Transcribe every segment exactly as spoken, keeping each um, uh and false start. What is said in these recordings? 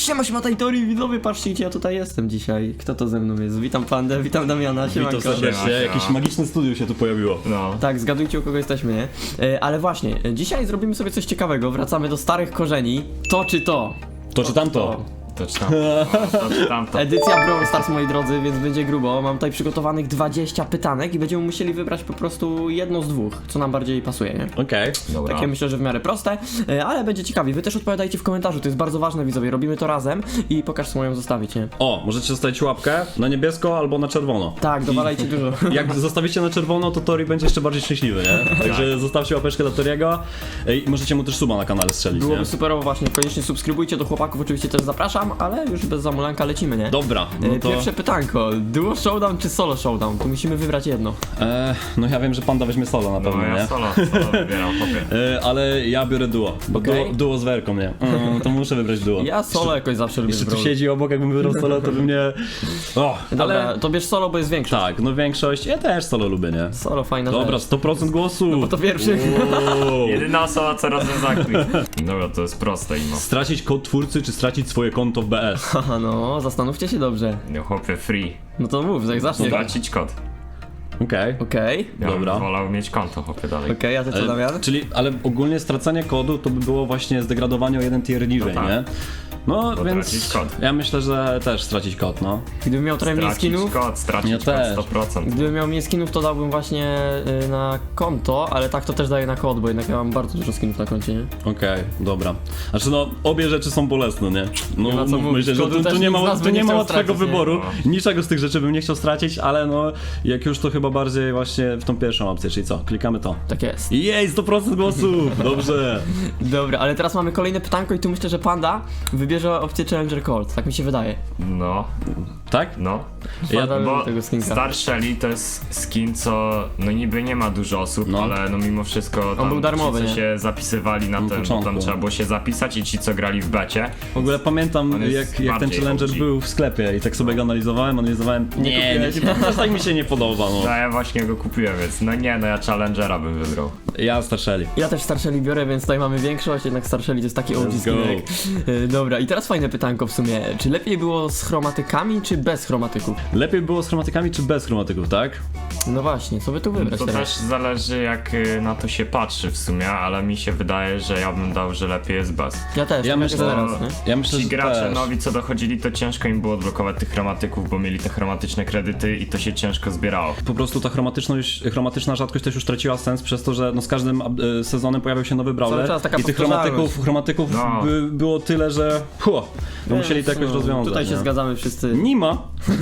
Siema, siema, Tajtori, widzowie, patrzcie, gdzie ja tutaj jestem dzisiaj. Kto to ze mną jest? Witam Pandę, witam Damiana, siemanko. Witam serdecznie, Siema, jakieś siema. magiczne studio się tu pojawiło. No. Tak, zgadujcie, u kogo jesteśmy, nie? E, ale właśnie, e, dzisiaj zrobimy sobie coś ciekawego, wracamy do starych korzeni. To czy to? To czy tamto? To czy tam, to czy tamto. Edycja Brawl Stars, moi drodzy, więc będzie grubo. Mam tutaj przygotowanych dwadzieścia pytanek i będziemy musieli wybrać po prostu jedno z dwóch, co nam bardziej pasuje, nie? Okej. Dobra. Takie myślę, że w miarę proste, e, ale będzie ciekawie. Wy też odpowiadajcie w komentarzu, to jest bardzo ważne, widzowie. Robimy to razem i pokaż swoją zostawić, nie? O, możecie zostawić łapkę na niebiesko albo na czerwono. Tak, dowalajcie dużo. Jak zostawicie na czerwono, to Tori będzie jeszcze bardziej szczęśliwy, nie? Także zostawcie łapeczkę dla Toriego i możecie mu też suba na kanale strzelić, nie? Byłoby superowo właśnie, koniecznie subskrybujcie, do chłopaków oczywiście też zapraszam, ale już bez zamulanka lecimy, nie? Dobra, no E, to... Pierwsze pytanko, duo showdown czy solo showdown? Tu musimy wybrać jedno. E, no ja wiem, że Panda weźmie solo na No pewno, ja nie? solo, solo wybieram, chłopie. E, ale ja biorę duo, bo Okej. duo, duo z Werką, nie? Mm, to muszę wybrać duo. Ja solo jakoś zawsze lubię Jeszcze tu wybrać. siedzi obok, jakbym wybrał solo, to by mnie... O, Dobra, ale... to bierz solo, bo jest większe. Tak, no większość, ja też solo lubię, nie? Solo, fajna Dobra, rzecz. sto procent głosu! Bo to pierwszy. Wow. Jedyna osoba, co rozwiąza quiz. Dobra, to jest proste imo. Stracić kod twórcy, czy stracić swoje konto w B S? Haha, no, zastanówcie się dobrze. No chłopie, free. No to mów, jak zacznie. Okej, Stracić kod. Okej. okej, Ja Dobra. bym wolał mieć konto, chłopie, dalej. okej, a ty co, Ale- Damian? Czyli, ale ogólnie stracanie kodu to by było właśnie zdegradowanie o jeden tier niżej, No tak. nie? No, To więc tracić kod. ja myślę, że też stracić kod, no. Gdybym miał trochę mniej Stracić skinów, kod, stracić Ja kod też. sto procent. gdybym miał mniej skinów, to dałbym właśnie y, na konto, ale tak to też daję na kod, bo jednak ja mam bardzo dużo skinów na koncie, nie? Okej, dobra. Znaczy no, obie rzeczy są bolesne, nie? No, Nie ma co mówmy mówić, się, że kodu tu, też tu nie nikt z ma, nas tu by nie nie ma chciał łatwego stracić, nie? wyboru. No. Niczego z tych rzeczy bym nie chciał stracić, ale no, jak już to chyba bardziej właśnie w tą pierwszą opcję, czyli co? Klikamy to. Tak jest. Jej, sto procent głosów! Dobrze. Dobra, ale teraz mamy kolejne pytanko i tu myślę, że Panda wybierze opcję Challenger Colt, tak mi się wydaje. No, Tak? no. Ja- Panda lubi Bo tego skinka. Star Shelly to jest skin, co no niby nie ma dużo osób, No. ale no mimo wszystko tam był darmowy, ci, co nie? się zapisywali na ten, bo początku. tam trzeba było się zapisać i ci, co grali w becie. W ogóle pamiętam, On jest jak, jak ten bardziej Challenger O G. był w sklepie i tak sobie go analizowałem, analizowałem. Nie, nie, kupiłeś? nie, nie tak mi się nie podoba, No no. ja właśnie go kupiłem, więc no nie, no ja Challengera bym wybrał. Ja Starszeli. Ja też Star Shelly biorę, więc tutaj mamy większość, jednak Star Shelly to jest taki O G Let's skinek. Y, Dobra, i teraz fajne pytanko w sumie. Czy lepiej było z chromatykami, czy bez chromatyków? Lepiej było z chromatykami czy bez chromatyków, tak? No właśnie, co by tu wybrać To teraz? też zależy jak y, na to się patrzy w sumie, ale mi się wydaje, że ja bym dał, że lepiej jest bez. Ja też, Ja tak myślę, jak teraz, nie? ja myślę, Ci że gracze też. nowi co dochodzili, to ciężko im było odblokować tych chromatyków, bo mieli te chromatyczne kredyty i to się ciężko zbierało. Po prostu ta chromatyczność, chromatyczna rzadkość też już traciła sens przez to, że no z każdym e, sezonem pojawiał się nowy brawler Cały czas taka i tych powtarzalność. chromatyków, chromatyków No. by, było tyle, że hu, no Więc, musieli to jakoś no, rozwiązać. Tutaj się nie? zgadzamy wszyscy. Nie ma,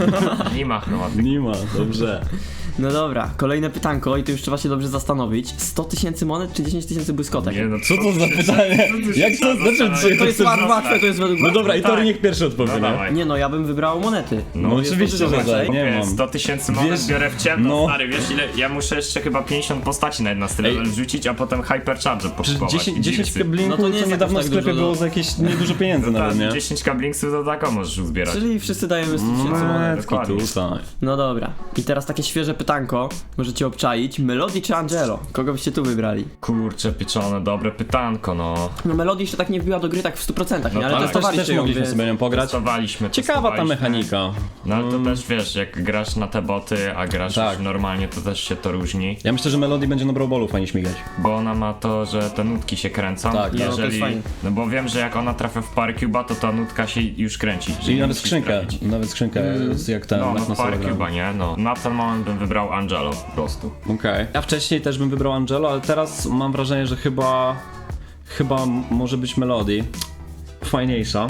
Nie ma chromatyków. nie ma, dobrze. No dobra, kolejne pytanko i tu już trzeba się dobrze zastanowić. sto tysięcy monet czy dziesięć tysięcy błyskotek? Nie, no Co to za pytanie? Jak to, znaczy, czy To jest chcesz- łatwe, to jest według No was. dobra, i Tak. Tori niech pierwszy No odpowie, nie? dawaj. Nie no, ja bym wybrał monety. No jest oczywiście, to że dużo tak, więcej. nie Wiesz, mam. sto tysięcy monet Wiesz- biorę w ciemno, no. stary, wiesz ile, ja muszę jeszcze chyba pięćdziesiąt postaci na jeden styl Ej. level wrzucić, a potem hypercharger Przecież pokupować. dziesięć, i dziesięć digsy. kablinków No to to, nie jest niedawno w jakoś tak sklepie dużo, było no. za jakieś niedużo pieniędzy No nawet, tak, nie? dziesięć kablingsów to tako możesz uzbierać. Czyli wszyscy dajemy sto tysięcy monet. Monetki dokładnie. tutaj. No dobra, i teraz takie świeże pytanko, możecie obczaić. Melody czy Angelo? Kogo byście tu wybrali? Kurczę, pieczone, dobre pytanko, no. No Melody jeszcze tak nie wbiła do gry tak w stu procentach, nie? No Ale tak. Ale też, testowaliście też ją, mogliśmy więc... sobie nią pograć. Testowaliśmy, Ciekawa ta testowaliśmy. mechanika. No ale to też wiesz, jak grasz na te boty, a grasz Tak. już normalnie, to też się to różni. Ja myślę, że Melody będzie na Brawl Ballu fajnie śmigać. Bo ona ma to, że te nutki się kręcą. Tak, no, to jest jeżeli, fajne. no bo wiem, że jak ona trafia w Parcuba, to ta nutka się już kręci. że Czyli nie nawet musisz skrzynkę, trafić. nawet skrzynkę jest jak ten, No, jak no na solo gramy. Parcuba, nie? No. Na ten moment bym wybrał Angelo po prostu. Okej. Ja wcześniej też bym wybrał Angelo, ale teraz mam wrażenie, że chyba chyba m- może być Melody fajniejsza.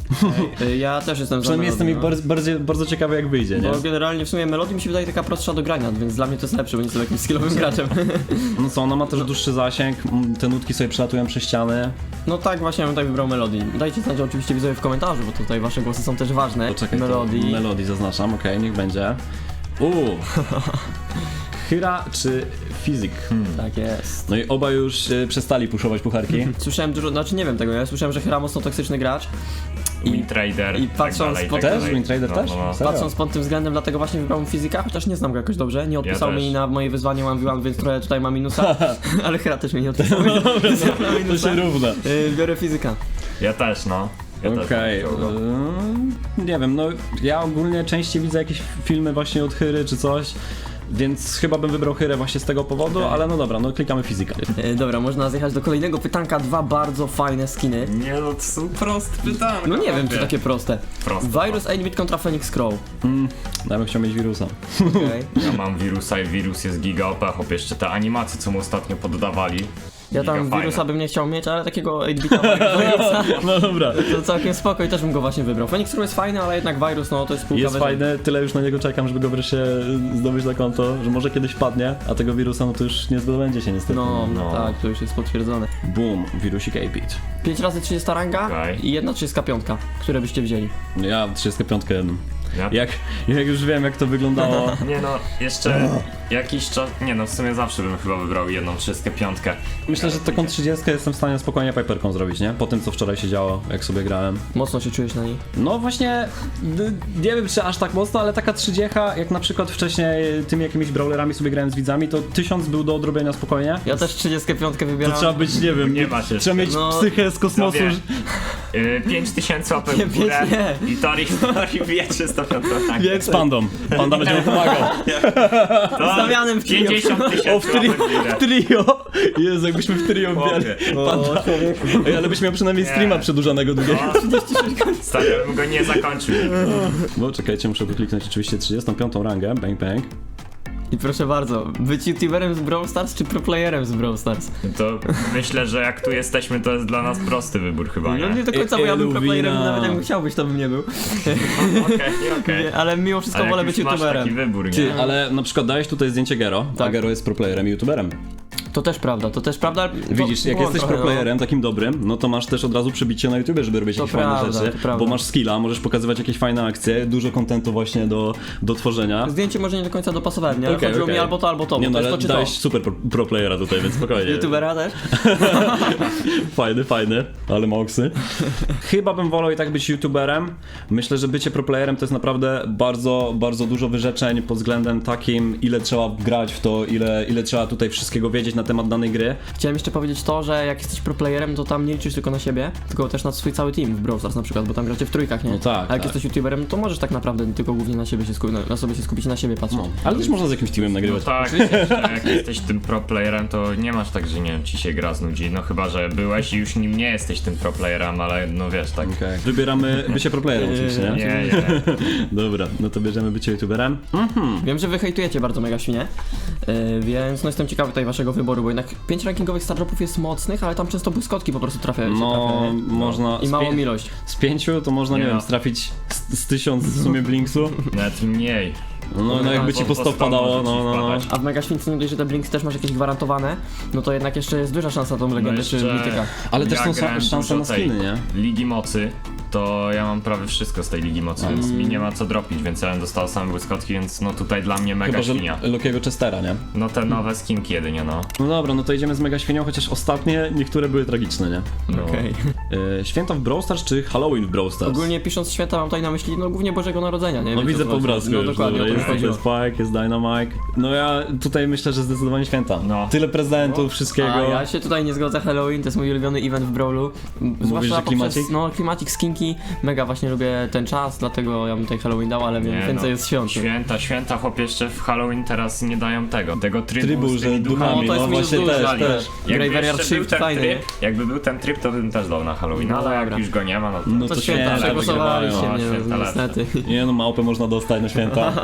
Y, Ja też jestem za Przynajmniej jestem Melody, jej no. bardzo, bardzo, bardzo ciekawy jak wyjdzie, nie? Bo generalnie w sumie Melody mi się wydaje taka prostsza do grania, więc dla mnie to jest lepsze, bo nie jestem jakimś skillowym graczem. No co, ona ma też dłuższy zasięg, m, te nutki sobie przelatują przez ściany. No tak, właśnie ja bym tak wybrał Melody. Dajcie znać oczywiście widzowie w komentarzu, bo tutaj wasze głosy są też ważne. Poczekaj, to Melody. Melody zaznaczam, okej, niech będzie. Uuu. Hyra czy Fizik? Hmm. Tak jest. No i oba już y, przestali puszować pucharki. Słyszałem dużo, znaczy nie wiem tego, ja słyszałem, że Hyra mocno toksyczny gracz. I Wintrader i patrząc tak po- dalej, tak Też? dalej. Wintrader no, też? No, no. Serio? patrząc pod tym względem, dlatego właśnie wybrałem fizyka, chociaż nie znam go jakoś dobrze, nie odpisał Ja mi też. na moje wyzwanie one v one, więc trochę tutaj ma minusa, ale Hyra też mi nie odpisał, więc ja mam To minusa. się równa. Yy, biorę fizyka. Ja też, no. Ja też Okej, bym chciał go. yy, nie wiem, no ja ogólnie częściej widzę jakieś filmy właśnie od Hyry czy coś, więc chyba bym wybrał Hyrę właśnie z tego powodu, Okej. ale no dobra, no klikamy fizykę. E, dobra, można zjechać do kolejnego pytanka, dwa bardzo fajne skiny. Nie no, to są proste pytania. No nie wiem, czy takie proste. Proste. Virus osiem bit kontra Phoenix Crow. Mm, ja bym chciał mieć wirusa. Okej. Ja mam wirusa i wirus jest giga O P, chłop, jeszcze te animacje, co mu ostatnio poddawali. Ja tam Giga wirusa fajne. bym nie chciał mieć, ale takiego osiem bitowego wirusa No dobra. to całkiem spoko i też bym go właśnie wybrał. Phoenix Crow jest fajny, ale jednak wirus, no to jest półka Jest wyżej. fajny, tyle już na niego czekam, żeby go wreszcie zdobyć na konto, że może kiedyś padnie, a tego wirusa no to już nie zdobędzie się niestety. No, no, No. tak, to już jest potwierdzone. Boom, wirusik osiem bit. pięć razy trzydzieści ranga Okej. i jedna trzydzieści pięć, które byście wzięli. Ja trzydziestą piątkę Ja? jak, jak już wiem jak to wyglądało. Nie no, jeszcze jakiś czas, nie no, w sumie zawsze bym chyba wybrał jedną trzydziestą piątkę. Myślę, że taką trzydziestkę jestem w stanie spokojnie piperką zrobić, nie? Po tym co wczoraj się działo, jak sobie grałem. Mocno się czujesz na niej? No właśnie, d- nie wiem czy aż tak mocno, ale taka trzydziecha, jak na przykład wcześniej tymi jakimiś brawlerami sobie grałem z widzami, to tysiąc był do odrobienia spokojnie. Ja też trzydzieści pięć To wybieram. trzeba być, nie wiem, Nie ma się. trzeba mieć No, psychę z kosmosu. Sobie. Yy, pięć tysięcy łapek Nie, w górę pięć i Tori, Tori wie trzysta piątka. Tak. Z pandą. Panda będzie mu pomagał. To Z Damianem w trio. pięćdziesiąt O, w tysięcy trio, łapek w górę. w trio! Jezu, jakbyśmy w trio wbijali. Panda. Ej, ale byś miał przynajmniej streama Nie. przedłużanego długiego. No, stary, ja bym go nie zakończył. Bo czekajcie, muszę tu kliknąć oczywiście trzydziestą piątą rangę, bang bang. I proszę bardzo, być youtuberem z Brawl Stars czy proplayerem z Brawl Stars? To myślę, że jak tu jesteśmy, to jest dla nas prosty wybór chyba, No nie? nie do końca, bo ja bym Eluwina. proplayerem, nawet jakbym chciał być, to bym nie był. Okej, okej. Nie, ale mimo wszystko Ale wolę jak być już masz taki youtuberem. wybór, nie? Ty, ale na przykład dałeś tutaj zdjęcie Gero, a Tak. Gero jest proplayerem i youtuberem. To też prawda, to też prawda. To Widzisz, jak było jesteś trochę, proplayerem takim dobrym, no to masz też od razu przebicie na YouTubie, żeby robić To jakieś prawda, fajne to rzeczy, prawda. bo masz skilla, możesz pokazywać jakieś fajne akcje, dużo kontentu właśnie do, do tworzenia. No. Zdjęcie może nie do końca dopasowałem, nie? Ale Okej, chodziło okej. mi albo to, albo to, Nie bo no, to jest ale to czy dałeś to. super pro, pro playera tutaj, więc spokojnie. Youtubera też? Fajny, fajny, ale moksy. Chyba bym wolał i tak być youtuberem. Myślę, że bycie proplayerem to jest naprawdę bardzo, bardzo dużo wyrzeczeń pod względem takim, ile trzeba grać w to, ile, ile trzeba tutaj wszystkiego wiedzieć na temat danej gry. Chciałem jeszcze powiedzieć to, że jak jesteś proplayerem, to tam nie liczysz tylko na siebie, tylko też na swój cały team w Brawl Stars na przykład, bo tam gracie w trójkach, nie? No tak, A jak tak. jesteś youtuberem, to możesz tak naprawdę tylko głównie na siebie się skupić, na, na sobie się skupić, na siebie patrzeć. No, ale też można z jakimś teamem No nagrywać. tak, jak jesteś tym pro playerem, to nie masz tak, że nie wiem, ci się gra znudzi, no chyba, że byłeś i już nim nie jesteś tym pro playerem, ale no wiesz, tak. Okej. Wybieramy bycie proplayerem oczywiście, nie? Nie, nie. Dobra, no to bierzemy bycie youtuberem. Wiem, że wy hejtujecie bardzo Mega Świnie, yy, więc no jestem ciekawy tutaj waszego wyboru, bo jednak pięć rankingowych stardropów jest mocnych, ale tam często błyskotki po prostu trafiają się. No, trafia, nie? można... I z małą pię- ilość. Z pięciu to można, nie, Nie wiem, no. strafić z, z tysiąc w sumie blinksu. Nawet mniej. No, no jakby ci po sto padało, no, no, no. A w Mega Śwince nie dość, że te blinks też masz jakieś gwarantowane, no to jednak jeszcze jest duża szansa tą legendę czy jeszcze- mityka. Ale też Ja są grałem sa- szanse dużo na skiny, tej nie? Ligi Mocy, to ja mam prawie wszystko z tej Ligi Mocy, więc mi nie ma co dropić, więc ja bym dostał same błyskotki, więc no tutaj dla mnie mega Chyba, że świnia. Lokiego Chestera, nie? No te nowe skinki jedynie, no. No dobra, no to idziemy z mega świnią, chociaż ostatnie niektóre były tragiczne, nie? no. Okej. E, święta w Brawl Stars czy Halloween w Brawl Stars? Ogólnie pisząc święta mam tutaj na myśli, no głównie Bożego Narodzenia, nie? No Więc widzę to po chodzi. obrazku No już, dokładnie, dobra, o to jest, mi jest chodziło. Spike, jest Dynamite. No ja tutaj myślę, że zdecydowanie święta. No. Tyle prezentów, wszystkiego. A ja się tutaj nie zgodzę, Halloween to jest mój ulubiony event w Brawlu. Zwłaszcza że klimacik? poprzez, no klimacik, skinki, mega właśnie lubię ten czas, dlatego ja bym tutaj Halloween dał, ale wiem, Nie, więcej no. jest świąt. Święta, święta, chłop jeszcze w Halloween teraz nie dają tego, tego trybu, Trybu, z tymi że duchami, No, to jest no minus właśnie dużo, też, Dali. też. Jakby Graveyard jeszcze był Shift ten fajny, tryb, jakby był ten tryb, to bym też dał na Halloween, No ale jak dobra. już go nie ma, no to... No To to święta, święta przegłosowaliście wygrywają, mnie, a święta no, lepsze. niestety. Nie no, małpę można dostać na święta.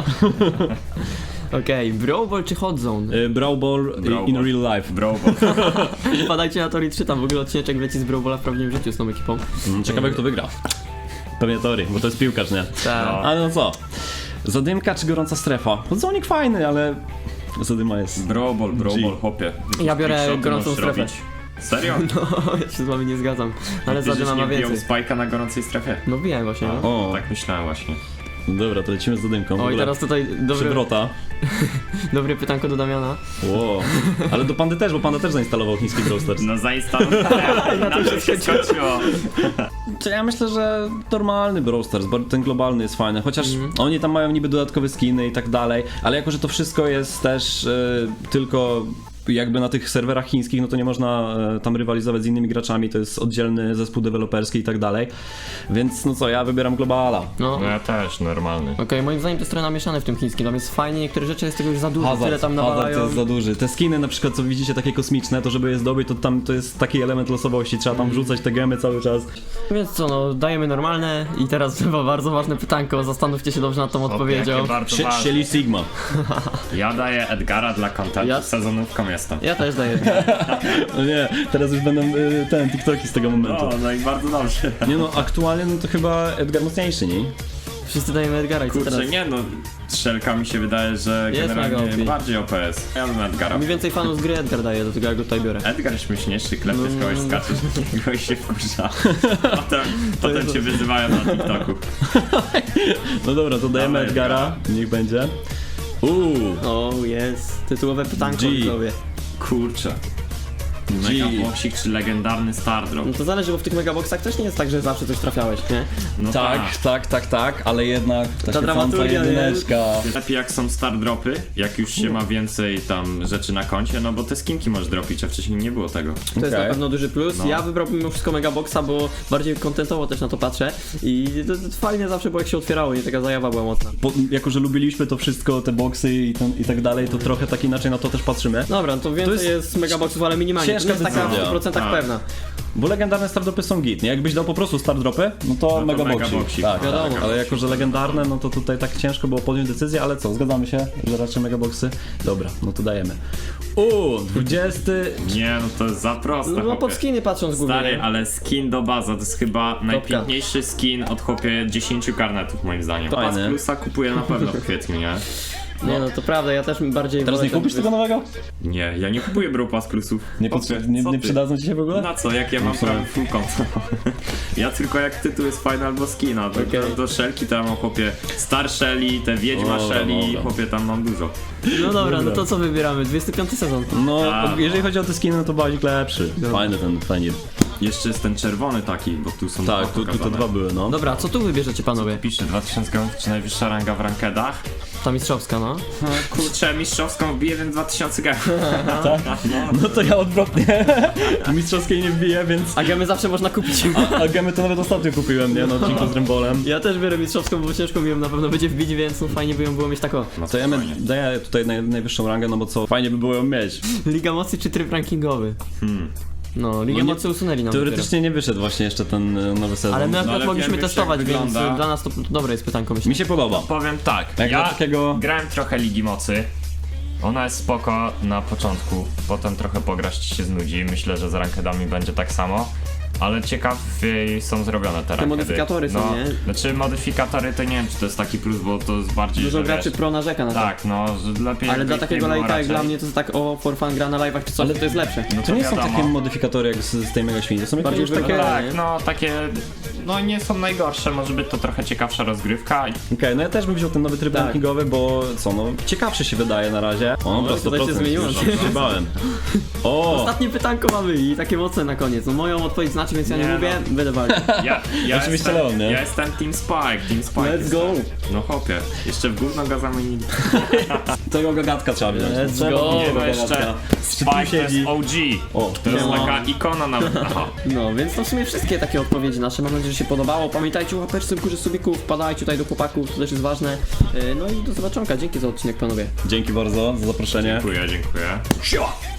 Okej, Brawl Ball czy Hot Zone? Y, Brawl Ball y, Brawl in Ball. real life. Bro, bo... Wpadajcie na Tori trzy, tam w ogóle odcineczek leci z Brawl Balla w prawdziwym życiu z tą ekipą. Mm, Ciekawe kto wygra. Pewnie Tori, bo to jest piłkarz, nie? Tak. No. Ale no co? Zadymka czy gorąca strefa? Podzonik fajny, ale zadyma jest... Brobol, G. brobol, chłopie. Ja biorę Trickshoty gorącą możesz strefę. robić. Serio? No, ja się z wami nie zgadzam, ale Ty, żeś Zadyma ma nie biją więcej. spajka na gorącej strefie? No wiem właśnie, no. O, Tak myślałem właśnie. dobra, to lecimy z zadymką. W O i ogóle teraz tutaj dobry, przywrota. dobre pytanko do Damiana. Wow. Ale do Pandy też, bo Panda też zainstalował chiński Brawl Stars. No zainstalowałem, na to się skończyło. To ja myślę, że normalny Brawl Stars, bo ten globalny jest fajny, chociaż oni tam mają niby dodatkowe skiny i tak dalej, ale jako, że to wszystko jest też y, tylko jakby na tych serwerach chińskich, no to nie można e, tam rywalizować z innymi graczami, to jest oddzielny zespół deweloperski i tak dalej. Więc no co, ja wybieram Globala. No. No ja też, normalny. Okej, moim zdaniem to jest trochę namieszane w tym chińskim, tam jest fajnie, niektóre rzeczy jest tego już za dużo, tyle Hazard, tam hazard to nawalają. jest za duży. Te skiny na przykład, co widzicie, takie kosmiczne, to żeby je zdobyć, to tam to jest taki element losowości, trzeba tam wrzucać te gemy cały czas. Więc co, no, dajemy normalne i teraz chyba bardzo ważne pytanko, zastanówcie się dobrze nad tą odpowiedzią. Jakie bardzo Sie- ważne. Sieli Sigma. Ja daję Edgara dla kontentu, Ja- sezonówką jestem. Ja też daję. No nie, teraz już będą y, ten, TikToki z tego momentu. no i bardzo dobrze. Nie no, aktualnie no to chyba Edgar mocniejszy, nie? Wszyscy dajemy Edgara i co Kurczę, teraz? nie no, Strzelka mi się wydaje, że Jest mega O generalnie P. bardziej O P S. Ja bym Edgara. Mniej więcej fanów z gry Edgar daje, do tego ja go tutaj biorę. Edgar śmieszniejszy, klepy w kogoś skaczesz, kogoś się wkurza. Potem, potem jest- cię wyzywają na TikToku. No dobra, to dajemy Dawaj, Edgara, niech będzie. Uuu, O, jest. Tytułowe pytanko G. widzowie. Kurczę. G. Megaboxik czy legendarny Stardrop? No to zależy, bo w tych megaboxach też nie jest tak, że zawsze coś trafiałeś, nie? No tak, tak, tak, tak, ale jednak ta, Ta świecąca dramaturgia, nie? jedyneczka. Lepiej jak są Stardropy, jak już się ma więcej tam rzeczy na koncie, no bo te skinki możesz dropić, a wcześniej nie było tego. To jest Okej. na pewno duży plus. No. Ja wybrałbym mimo wszystko megaboxa, bo bardziej kontentowo też na to patrzę i to, to fajnie zawsze było jak się otwierało, nie taka zajawa była mocna. Po, jako, że lubiliśmy to wszystko, te boksy i, ten, i tak dalej, to trochę tak inaczej na to też patrzymy. Dobra, no to więcej To jest, jest megaboxów, ale minimalnie. To ciężka nie jest taka w decyzja. stu procentach Tak. pewna. Bo legendarne stardropy są git, nie? Jakbyś dał po prostu stardropy, no to, to mega boxik. megaboxik. Tak, Wiadomo. tak, ale jako, że legendarne, no to tutaj tak ciężko było podjąć decyzję, ale co, zgadzamy się, że raczej megaboxy? Dobra, no to dajemy. Uuu, dwudziesty... Nie, no to jest za proste, No, no pod chłopie. skiny patrząc głównie. Stary, ale skin do baza to jest chyba najpiękniejszy skin od chłopie dziesięciu karnetów moim zdaniem. Pas Fajny. plusa kupuję na pewno w kwietniu, nie? Nie no, to prawda, ja też bardziej Teraz wolę nie ten- kupisz tego nowego? Nie, ja nie kupuję Bro Pass plusów. Nie, Chłopie, potrze- nie, co nie ty? przydadzą ci się w ogóle? Na co, jak ja mam sumie. prawie full konto? Ja tylko jak tytuł jest fajny albo skina, to Okej. do, do Shelki to ja mam chłopie Star Shelly, te Wiedźma Dobra, Shelly, dobra. chłopie tam mam dużo. No dobra, no Dobra. to co wybieramy? dwudziesty piąty sezon. No, A, jeżeli chodzi o te skiny, no to bazik lepszy. Fajny ten, fajnie. Jeszcze jest ten czerwony taki, bo tu są Tak, dwa tu, tu te pokazane. dwa były, no. Dobra, co tu wybierzecie panowie? Pisze dwa tysiące gemów, czy najwyższa ranga w rankedach? Ta mistrzowska, no. No, kurczę, mistrzowską wbiję, więc dwa tysiące gemów. Tak? No to ja odwrotnie. Mistrzowskiej nie wbiję, więc... A gemy zawsze można kupić. A gemy to nawet ostatnio kupiłem, nie? Na odcinku z Rymbolem. Ja też biorę mistrzowską, bo ciężko mi ją na pewno będzie wbić, więc no fajnie by ją było mieć taką. No To ja spokojnie. daję tutaj naj, najwyższą rangę, no bo co, fajnie by było ją mieć. Liga Mocy czy tryb rankingowy? Hmm. No, Ligę No nie- Mocy usunęli nam Teoretycznie nie wyszedł właśnie jeszcze ten e, nowy sezon. dopiero. Ale my akurat ale mogliśmy wiemy, testować, jak więc wygląda. dla nas to dobre jest pytanko, myślę. Mi się podoba. Powiem tak, Jak ja dla takiego... grałem trochę Ligi Mocy. Ona jest spoko na początku, potem trochę pograć ci się znudzi. Myślę, że z rankedami będzie tak samo. Ale ciekawiej są zrobione te rankedy. modyfikatory są, no, nie? Znaczy modyfikatory to nie wiem, czy to jest taki plus, bo to jest bardziej, Dużo że graczy wiesz, pro narzeka na to. tak, no, że lepiej Ale jakby dla ich takiego nie było lajka jak raczej. dla mnie to jest tak o for fun gra na live'ach czy coś, Ale to jest lepsze. No To nie są wiadomo. takie modyfikatory jak z, z tej Mega Świni, to są jakieś Bardziej już takie... wygląda- Tak, nie? no takie, no nie są najgorsze, może być to trochę ciekawsza rozgrywka. Okej, no ja też bym wziął ten nowy tryb Tak. rankingowy, bo co, no ciekawszy się wydaje na razie. O, dobra, tutaj się sto procent. zmieniło. Już się bałem. O! Ostatnie pytanko mamy i takie mocne na koniec. No moją odpowiedź znaczy, więc ja nie, Nie, mówię, no. będę walczył. Ja, ja Oczywiście jestem, Leon, nie? Ja jestem Team Spike, Team Spike Let's jestem. go. No hopie, jeszcze w gówno go zamienili. Tego gagatka trzeba wziąć. Let's Trzeba go. wziąć Nie, no tego jeszcze gagatka. Spike to jest siedzi. O G. O, To jest no. taka ikona na... Aha. No, więc to w sumie wszystkie takie odpowiedzi nasze. Mam nadzieję, że się podobało. Pamiętajcie o łapeczce w górze subików, wpadajcie tutaj do chłopaków, to też jest ważne. Yy, No i do zobaczonka. Dzięki za odcinek, panowie. Dzięki bardzo za zaproszenie. Dziękuję, dziękuję. Siła!